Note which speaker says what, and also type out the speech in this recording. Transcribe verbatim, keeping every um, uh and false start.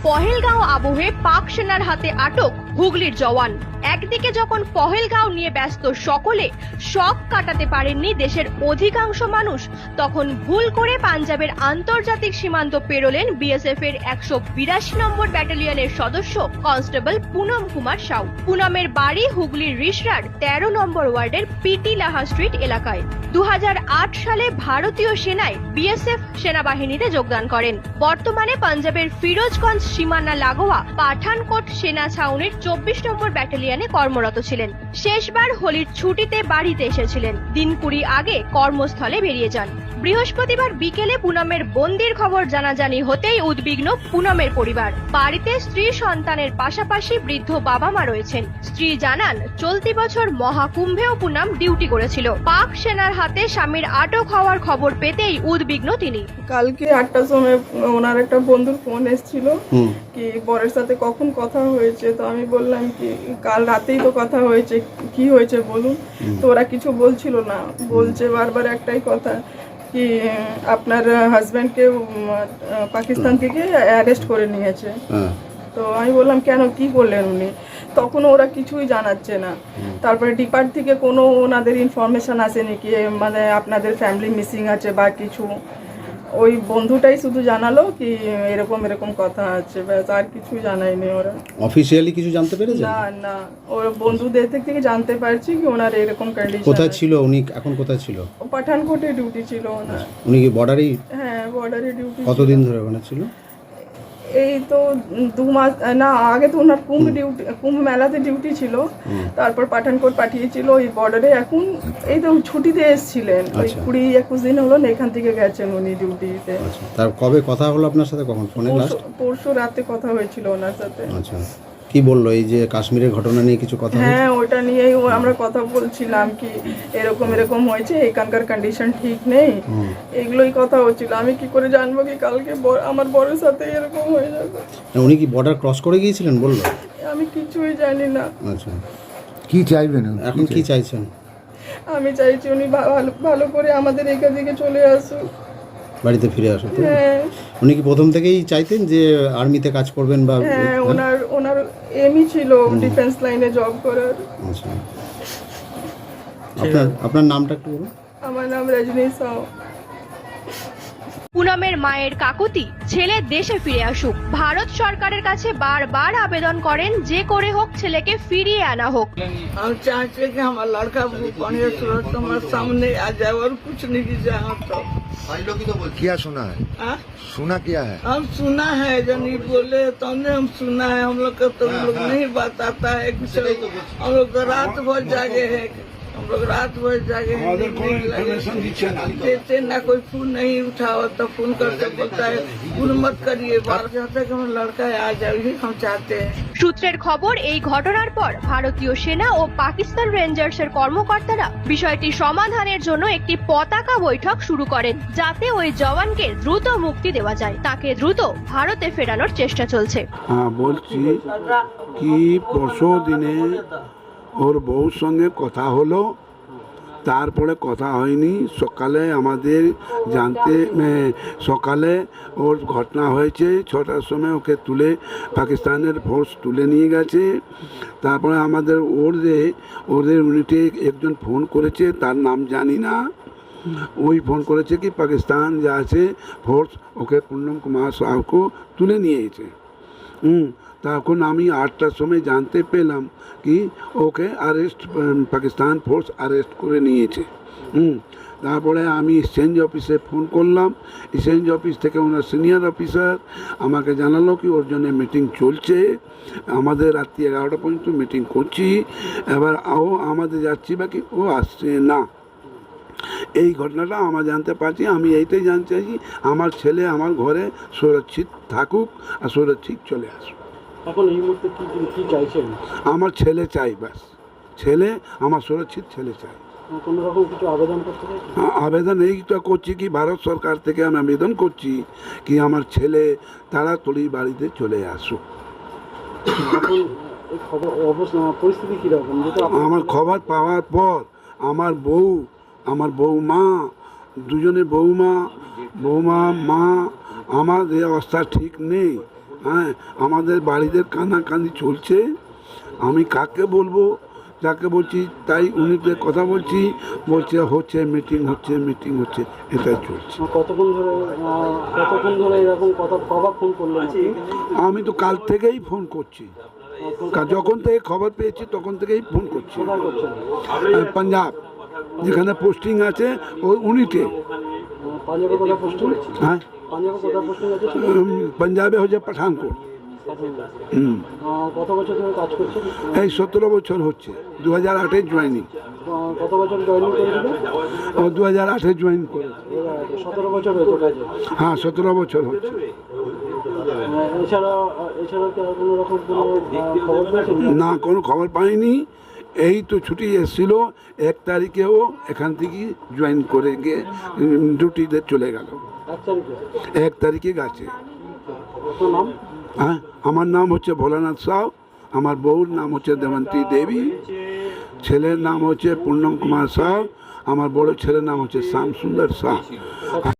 Speaker 1: পহেলগাঁও আবহে পাক সেনার হাতে আটক হুগলির জওয়ান। একদিকে যখন পহেলগাঁও নিয়ে ব্যস্ত সকলে, শক কাটাতে পারেননি দেশের অধিকাংশ মানুষ, তখন ভুল করে পাঞ্জাবের আন্তর্জাতিক সীমান্ত পেরোলেন বিএসএফ এর একশো বিরাশি নম্বর ব্যাটালিয়নের সদস্য কনস্টেবল পুনম কুমার সাউ। পুনমের বাড়ি হুগলির রিসরার তেরো নম্বর ওয়ার্ডের পিটি লাহা স্ট্রিট এলাকায়। দু হাজার আট সালে ভারতীয় সেনায় বিএসএফ সেনাবাহিনীতে যোগদান করেন। বর্তমানে পাঞ্জাবের ফিরোজগঞ্জ সীমানা লাগোয়া পাঠানকোট সেনা ছাউনির চব্বিশ নম্বর ব্যাটালিয়নে কর্মরত ছিলেন। শেষবার হোলির ছুটিতে বাড়িতে এসেছিলেন। দিন কুড়ি আগে কর্মস্থলে বেরিয়ে যান। বৃহস্পতিবার বিকেলে পুনমের বন্দির খবর জানাজানি হতেই উদ্বিগ্ন পুনমের পরিবার। বাড়িতে স্ত্রী সন্তানের পাশাপাশি বৃদ্ধ বাবা মা রয়েছেন। স্ত্রী জানান, চলতি বছর মহাকুম্ভেও পুনম ডিউটি করেছিল। পাক সেনার হাতে স্বামীর আটক হওয়ার খবর পেতেই উদ্বিগ্ন তিনি।
Speaker 2: কালকে আটটার সময় ওনার একটা বন্ধুর ফোন এসেছিল কি বরের সাথে কখন কথা হয়েছে, তো আমি বললাম কি কাল রাতেই তো কথা হয়েছে, কি হয়েছে বলুন। তো ওরা কিছু বলছিল না, বলছে বারবার একটাই কথা কি আপনার হাজব্যান্ডকে পাকিস্তান থেকে অ্যারেস্ট করে নিয়েছে। তো আমি বললাম কেন, কি করলেন উনি? তখন ওরা কিছুই জানাচ্ছে না। তারপরে ডিপার্ট থেকে কোনো ওনাদের ইনফরমেশন আসেনি কি মানে আপনাদের ফ্যামিলি মিসিং আছে বা কিছু। ওই বন্ধুটাই শুধু জানালো কি এরকম এরকম কথা আছে, ব্যাস, আর কিছু জানায়নি ওরা।
Speaker 3: অফিশিয়ালি কিছু জানতে পেরেছে
Speaker 2: না না, ওর বন্ধুদের থেকে জানতে পারছি কি ওনার এরকম কন্ডিশন।
Speaker 3: কোথায় ছিল উনি, এখন কোথায় ছিল?
Speaker 2: পাঠানকোটে ডিউটি ছিল ওনার।
Speaker 3: উনি কি বর্ডারেই?
Speaker 2: হ্যাঁ, বর্ডারে ডিউটি।
Speaker 3: কতদিন ধরে ওখানে ছিল?
Speaker 2: এই তো দু মাস না, আগে তো ওনার কুম্ভ ডিউটি, কুম্ভ মেলাতে ডিউটি ছিল, তারপর পাঠানকোট পাঠিয়েছিল ওই বর্ডারে। এখন এই তো ছুটিতে এসেছিলেন, ওই কুড়ি একুশ দিন হলো না এখান থেকে গেছেন উনি ডিউটিতে।
Speaker 3: তার কবে কথা হলো আপনার সাথে, কখন ফোনে লাস্ট?
Speaker 2: পরশু রাতে কথা হয়েছিল ওনার সাথে।
Speaker 3: আচ্ছা, কি বললো এই যে কাশ্মীরের ঘটনা নিয়ে কিছু কথা?
Speaker 2: হ্যাঁ, ওটা নিয়েই আমরা কথা বলছিলাম কি এরকম এরকম হয়েছে, এখানকার কন্ডিশন ঠিক নেই, এগুলোই কথা হচ্ছিল। আমি কি করে জানবো কি কালকে আমার বড়ের সাথে এরকম হয়ে যাবে?
Speaker 3: উনি কি বর্ডার ক্রস করে গিয়েছিলেন বললো?
Speaker 2: আমি কিছুই জানি না।
Speaker 3: আচ্ছা,
Speaker 4: কি চাইবেন
Speaker 3: এখন কি চাইছেন?
Speaker 2: আমি চাইছি উনি ভালো ভালো করে আমাদের এখান থেকে চলে আসুক,
Speaker 3: বাড়িতে ফিরে আসুন।
Speaker 2: হ্যাঁ।
Speaker 3: উনি কি প্রথম থেকেই চাইতেন যে আর্মিতে কাজ করবেন বা?
Speaker 2: হ্যাঁ, ওনার ওনার এমই ছিল ডিফেন্স লাইনে জব করার।
Speaker 3: আচ্ছা, আপনার আপনার নামটা একটু বলুন।
Speaker 2: আমার নাম রজনী সাউ।
Speaker 1: পুনমের মায়ের কাকুতি ছেলে দেশে ফিরে আসুক। ভারত সরকারের কাছে বারবার আবেদন করেন যে করে হোক ছেলেকে ফিরিয়ে আনা হোক।
Speaker 5: हम चाहते कि हमारा लड़का बढ़िया सूरत हमारे सामने आ जाए और कुछ नहीं की जाए। तो
Speaker 4: क्या सुना है?
Speaker 5: आ?
Speaker 4: सुना क्या है?
Speaker 5: हम सुना है जब नहीं बोले तो हमने हम सुना है। हम लोग का तो हम लोग नहीं बात आता है कुछ। हम लोग तो रात भर जागे हैं, हम लोग रात भर जागे हैं, देते ना कोई फोन नहीं उठावा, तो फोन करके बोलता है फोन मत करिए। बार चाहता है कि हमारा लड़का आ जाए, हम चाहते हैं।
Speaker 1: সূত্রের খবর, এই ঘটনার পর ভারতীয় সেনা ও পাকিস্তান রেঞ্জার্সের কর্মকর্তারা বিষয়টি সমাধানের জন্য একটি পতাকা বৈঠক শুরু করেন, যাতে ওই জওয়ানকে দ্রুত মুক্তি দেওয়া যায়। তাকে দ্রুত ভারতে ফেরানোর চেষ্টা চলছে।
Speaker 6: হ্যাঁ, বলছি কি পরশু দিনে ওর বউর সঙ্গে কথা হলো, তারপরে কথা হয়নি। সকালে আমাদের জানতে সকালে ওর ঘটনা হয়েছে, ছটার সময় ওকে তুলে পাকিস্তানের ফোর্স তুলে নিয়ে গেছে। তারপরে আমাদের ওদের ওদের ইউনিটে একজন ফোন করেছে, তার নাম জানি না, ওই ফোন করেছে কি পাকিস্তান যা আছে ফোর্স ওকে পুনম কুমার সাউকে তুলে নিয়েছে। হুম তখন আমি আটটার সময় জানতে পেলাম কি ওকে আরেস্ট, পাকিস্তান ফোর্স আরেস্ট করে নিয়েছে। হুম তারপরে আমি এক্সচেঞ্জ অফিসে ফোন করলাম। এক্সচেঞ্জ অফিস থেকে ওনার সিনিয়র অফিসার আমাকে জানালো কি ওর জন্য মিটিং চলছে, আমাদের রাত্রি এগারোটা পর্যন্ত মিটিং করছি। এবার ও আমাদের যাচ্ছি বাকি ও আসছে না। এই ঘটনাটা আমরা জানতে পারছি। আমি এইটাই জানতে চাইছি আমার ছেলে আমার ঘরে সুরক্ষিত থাকুক আর সুরক্ষিত চলে আসুক।
Speaker 7: এখন এই মুহূর্তে কি কি চাইছেন?
Speaker 6: আমার ছেলে চাই, ব্যাস, ছেলে আমার সুরক্ষিত ছেলে চাই।
Speaker 7: কোনো রকম কিছু আবেদন করতে চাইছেন?
Speaker 6: আবেদন এইটা করছি কি ভারত সরকার থেকে আমি আবেদন করছি কি আমার ছেলে তাড়াতাড়ি বাড়িতে চলে আসুক।
Speaker 7: এখন এই খবর অবস্থা পরিস্থিতি কীরকম?
Speaker 6: আমার খবর পাওয়ার পর আমার বউ, আমার বৌমা, দুজনে বৌমা বৌমা মা আমার এই অবস্থা ঠিক নেই। হ্যাঁ আমাদের বাড়িতে কানাকানি চলছে, আমি কাকে বলবো, যাকে বলছি তাই উনিতে কথা বলছি, বলছে হচ্ছে মিটিং হচ্ছে মিটিং হচ্ছে এটাই চলছে।
Speaker 7: কতক্ষণ ধরে আহ, কতক্ষণ ধরে এরকম কথা কবার ফোন করলেন আপনি?
Speaker 6: আমি তো কাল থেকেই ফোন করছি, কা- যখন থেকে খবর পেয়েছি তখন থেকেই ফোন করছি।
Speaker 7: কোথায় করছেন?
Speaker 6: আহ, পাঞ্জাব যেখানে পোস্টিং আছে ওই উনিতে।
Speaker 7: আহ, পাঞ্জাবে কোথায় পোস্টিং?
Speaker 6: হ্যাঁ
Speaker 7: পাঞ্জাবে কোথায় পোস্টিং আছে?
Speaker 6: উম, পাঞ্জাবে হচ্ছে পাঠানকোট। হুম
Speaker 7: আহ, কত বছর ধরে কাজ করছেন?
Speaker 6: এই সতেরো বছর হচ্ছে, দু হাজার আটে জয়েনিং।
Speaker 7: আহ, কত বছর জয়েনিং করেছিলেন?
Speaker 6: ও দু হাজার আটে জয়েন করে।
Speaker 7: সতেরো বছর হয়েছে কাজে।
Speaker 6: হ্যাঁ সতেরো বছর হচ্ছে।
Speaker 7: আহ, এছাড়া আহ, এছাড়া কি আর কোনো রকম কোনো আহ, খবর পেয়েছেন?
Speaker 6: না কোনো খবর পাইনি, এই তো ছুটি এসেছিল এক তারিখেও এখান থেকে জয়েন করে গিয়ে উম, ডিউটিতে চলে গেল,
Speaker 7: এক তারিখে।
Speaker 6: এক তারিখে গেছে।
Speaker 7: আপনার নাম?
Speaker 6: হ্যাঁ আমার নাম হচ্ছে ভোলানাথ সাউ, আমার বউর নাম হচ্ছে দেবন্তী দেবী, ছেলের নাম হচ্ছে পূর্ণম কুমার সাউ, আমার বড় ছেলের নাম হচ্ছে শ্যাম সুন্দর সাউ।